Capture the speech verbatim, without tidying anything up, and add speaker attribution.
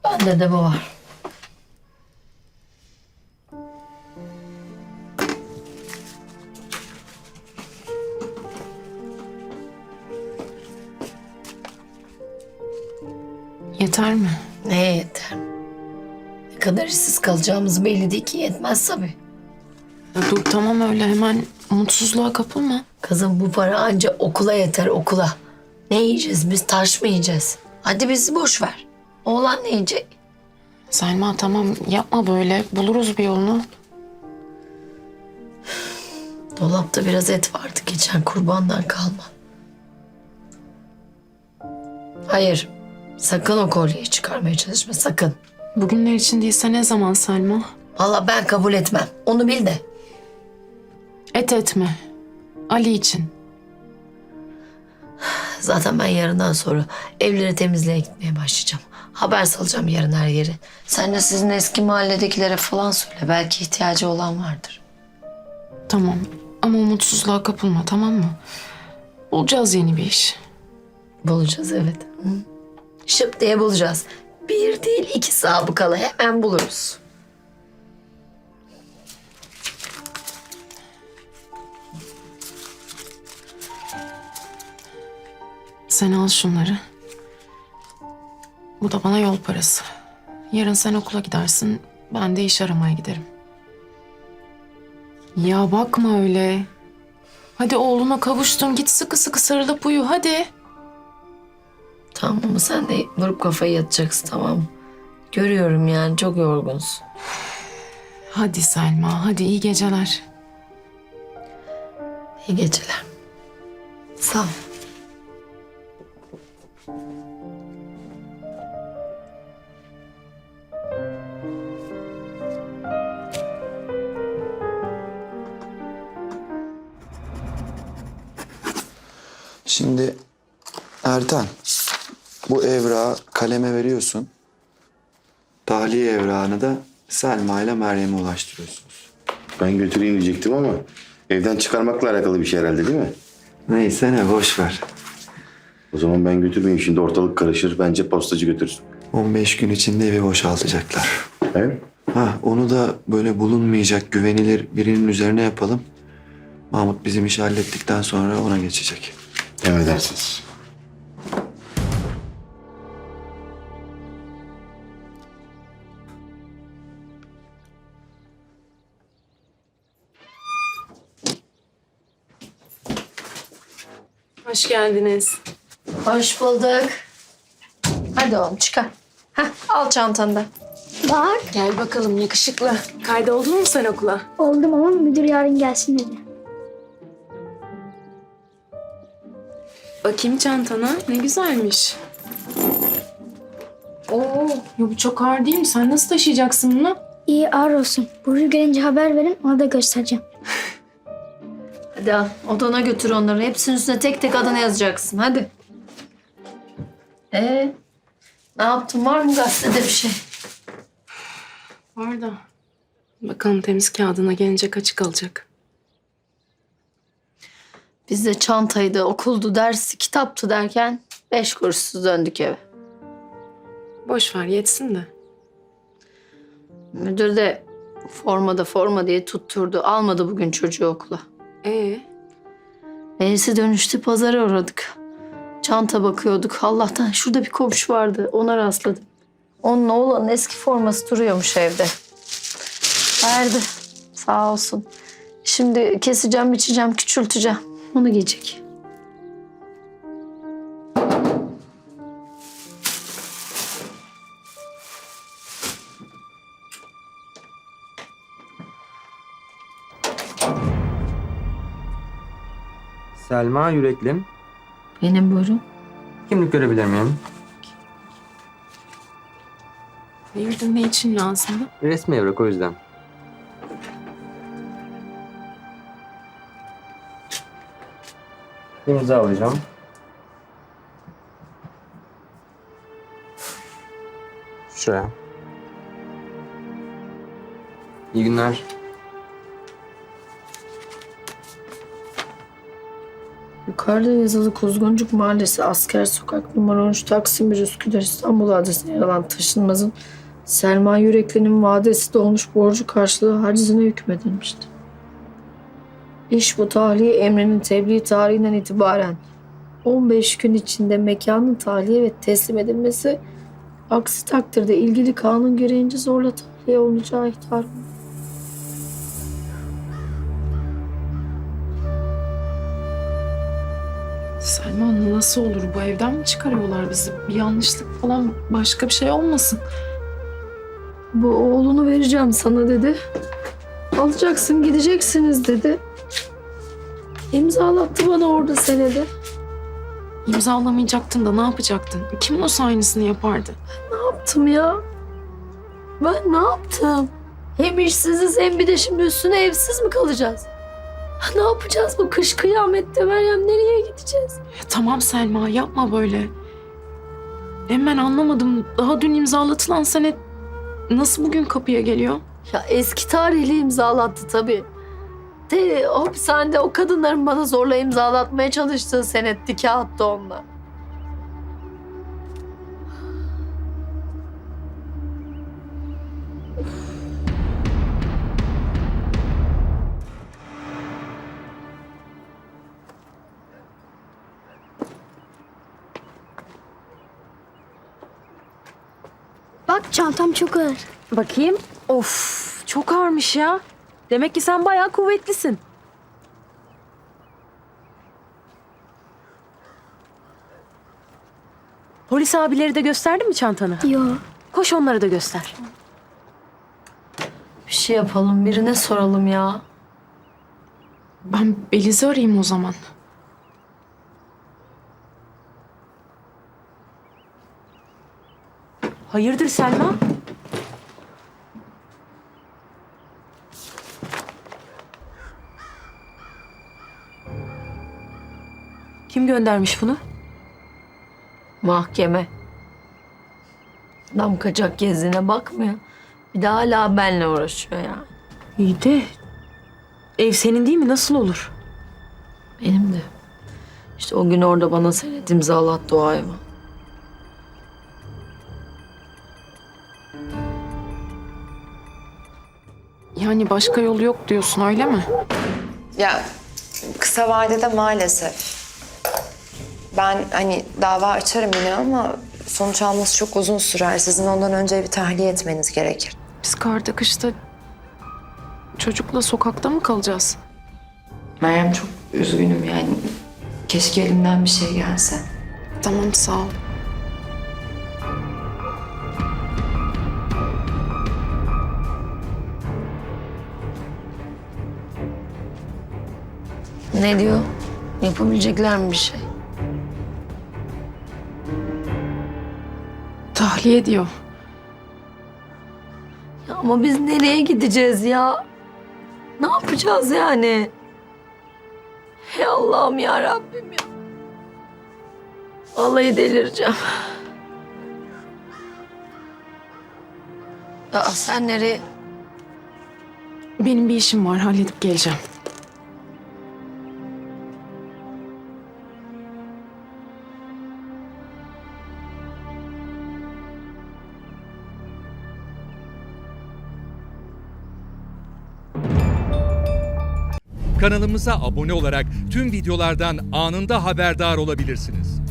Speaker 1: Bende de bu var.
Speaker 2: Yeter mi?
Speaker 1: Ne yeter? Ne kadar işsiz kalacağımız belli değil ki, yetmez tabii.
Speaker 2: Ya dur tamam öyle hemen umutsuzluğa kapılma.
Speaker 1: Kızım bu para anca okula yeter, okula. Ne yiyeceğiz biz, taş mı yiyeceğiz? Hadi bizi boş ver. Oğlan ne yiyecek?
Speaker 2: Selma tamam yapma böyle. Buluruz bir yolunu.
Speaker 1: Dolapta biraz et vardı, geçen kurbandan kalma. Hayır, sakın o kolyeyi çıkarmaya çalışma, sakın.
Speaker 2: Bugünler için değilse ne zaman Selma?
Speaker 1: Vallahi ben kabul etmem, onu bil de.
Speaker 2: Et etme. Ali için.
Speaker 1: Zaten ben yarından sonra evleri temizliğe gitmeye başlayacağım. Haber salacağım yarın her yeri. Sen de sizin eski mahalledekilere falan söyle, belki ihtiyacı olan vardır.
Speaker 2: Tamam ama umutsuzluğa kapılma tamam mı? Bulacağız yeni bir iş.
Speaker 1: Bulacağız, evet. Hı. Şıp diye bulacağız. Bir değil iki sabıkalı hemen buluruz.
Speaker 2: Sen al şunları. Bu da bana yol parası. Yarın sen okula gidersin. Ben de iş aramaya giderim. Ya bakma öyle. Hadi oğluna kavuştun. Git sıkı sıkı sarılıp uyu hadi.
Speaker 1: Tamam mı? Sen de vurup kafayı yatacaksın, tamam mı? Görüyorum yani, çok yorgunsun.
Speaker 2: Hadi Selma hadi iyi geceler.
Speaker 1: İyi geceler. Sağ ol.
Speaker 3: Şimdi Ertan, bu evrağı kaleme veriyorsun. Tahliye evrağını da Selma ile Meryem'e ulaştırıyorsunuz.
Speaker 4: Ben götüreyim diyecektim ama evden çıkarmakla alakalı bir şey herhalde değil mi?
Speaker 3: Neyse ne, boş ver.
Speaker 4: O zaman ben götürmeyeyim, şimdi ortalık karışır. Bence postacı götürsün.
Speaker 3: on beş gün içinde evi boşaltacaklar.
Speaker 4: He?
Speaker 3: Ha, onu da böyle bulunmayacak güvenilir birinin üzerine yapalım. Mahmut bizim işi hallettikten sonra ona geçecek.
Speaker 4: Emredersiniz.
Speaker 2: Hoş geldiniz.
Speaker 1: Hoş bulduk. Hadi oğlum çıkar. Heh, al çantanı da.
Speaker 5: Bak
Speaker 2: Gel bakalım yakışıklı. Kaydoldun mu sen okula?
Speaker 5: oldum ama müdür yarın gelsin dedi.
Speaker 2: Bakayım çantana. Ne güzelmiş. Oo, ya bu çok ağır değil mi? Sen nasıl taşıyacaksın bunu?
Speaker 5: İyi ağır olsun. Burcu gelince haber verin, ona da göstereceğim.
Speaker 1: Hadi al, odana götür onları. Hepsinin üstüne tek tek adını yazacaksın. Hadi. Ee, ne yaptın? Var mı gazetede bir şey?
Speaker 2: Var da. Bakalım temiz kağıdına gelince kaçı kalacak.
Speaker 1: Biz de çantaydı, okuldu, dersi, kitaptı derken beş kuruşsuz döndük eve.
Speaker 2: Boş ver yetsin de.
Speaker 1: Müdür de formada forma diye tutturdu. Almadı bugün çocuğu okula.
Speaker 2: Ee,
Speaker 1: Neyse dönüşte pazara uğradık. Çanta bakıyorduk. Allah'tan şurada bir komşu vardı. Ona rastladım. Onun oğlanın eski forması duruyormuş evde. Verdi. Sağ olsun. Şimdi keseceğim, biçeceğim, küçülteceğim. Onu giyecek.
Speaker 6: Selma Yüreklim.
Speaker 1: Benim buyurun.
Speaker 6: Kimlik görebilir miyim?
Speaker 2: hayırdır ne için lazımdı?
Speaker 6: Resmi evrak o yüzden. İmza alacağım. Şuraya. İyi günler.
Speaker 1: Yukarıda yazılı Kuzguncuk Mahallesi, Asker Sokak, numara on üç, Taksim bir, Üsküdar, İstanbul adresine yer alan taşınmazın Selma Yürekli'nin vadesi dolmuş borcu karşılığı hacizine hükmedilmişti. İş bu tahliye emrinin tebliğ tarihinden itibaren on beş gün içinde mekanın tahliye ve teslim edilmesi, aksi takdirde ilgili kanun gereğince zorla tahliye olunacağı ihtar.
Speaker 2: Selma nasıl olur? Bu evden mi çıkarıyorlar bizi? Bir yanlışlık falan, başka bir şey olmasın.
Speaker 1: Bu oğlunu vereceğim sana dedi. Alacaksın, gideceksiniz dedi. İmzalattı bana orada senede.
Speaker 2: İmzalamayacaktın da ne yapacaktın? Kim olsa aynısını yapardı.
Speaker 1: Ne yaptım ya? Ben ne yaptım? Hem işsiziz hem bir de şimdi üstüne evsiz mi kalacağız? Ha, ne yapacağız bu kış kıyamette Meryem? Nereye gideceğiz?
Speaker 2: Ya tamam Selma, yapma böyle. Hem ben anlamadım. Daha dün imzalatılan senet nasıl bugün kapıya geliyor?
Speaker 1: Ya eski tarihli imzalattı tabii. De, hapishanede o kadınların bana zorla imzalatmaya çalıştığı senetti, kağıttı onlar.
Speaker 5: Bak çantam çok ağır.
Speaker 7: Bakayım. Of, çok ağırmış ya. Demek ki sen bayağı kuvvetlisin. Polis abileri de gösterdi mi çantanı?
Speaker 5: Yo.
Speaker 7: Koş onları da göster.
Speaker 1: Bir şey yapalım, birine soralım ya.
Speaker 2: Ben Beliz'i arayayım o zaman.
Speaker 7: Hayırdır Selma? Kim göndermiş bunu?
Speaker 1: Mahkeme. Adam kaçak gezdiğine bakmıyor. Bir de hala benle uğraşıyor yani.
Speaker 7: İyi de ev senin değil mi? Nasıl olur?
Speaker 1: Benim de. İşte o gün orada bana senet imzalattı o hayvan.
Speaker 2: Yani başka yolu yok diyorsun, öyle mi?
Speaker 8: Ya kısa vadede maalesef. Ben hani dava açarım yine ama sonuç alması çok uzun sürer. Sizin ondan önce bir tahliye etmeniz gerekir.
Speaker 2: Biz karda kışta çocukla sokakta mı kalacağız?
Speaker 8: Meryem çok üzgünüm yani. Keşke elimden bir şey gelse.
Speaker 2: Tamam, sağ ol.
Speaker 1: Ne diyor? Yapabilecekler mi bir şey?
Speaker 2: Tahliye diyor.
Speaker 1: Ya ama biz nereye gideceğiz ya? Ne yapacağız yani? Hey Allah'ım ya Rabbim ya. Vallahi delireceğim. Ya sen nereye?
Speaker 2: Benim bir işim var, halledip geleceğim.
Speaker 9: Kanalımıza abone olarak tüm videolardan anında haberdar olabilirsiniz.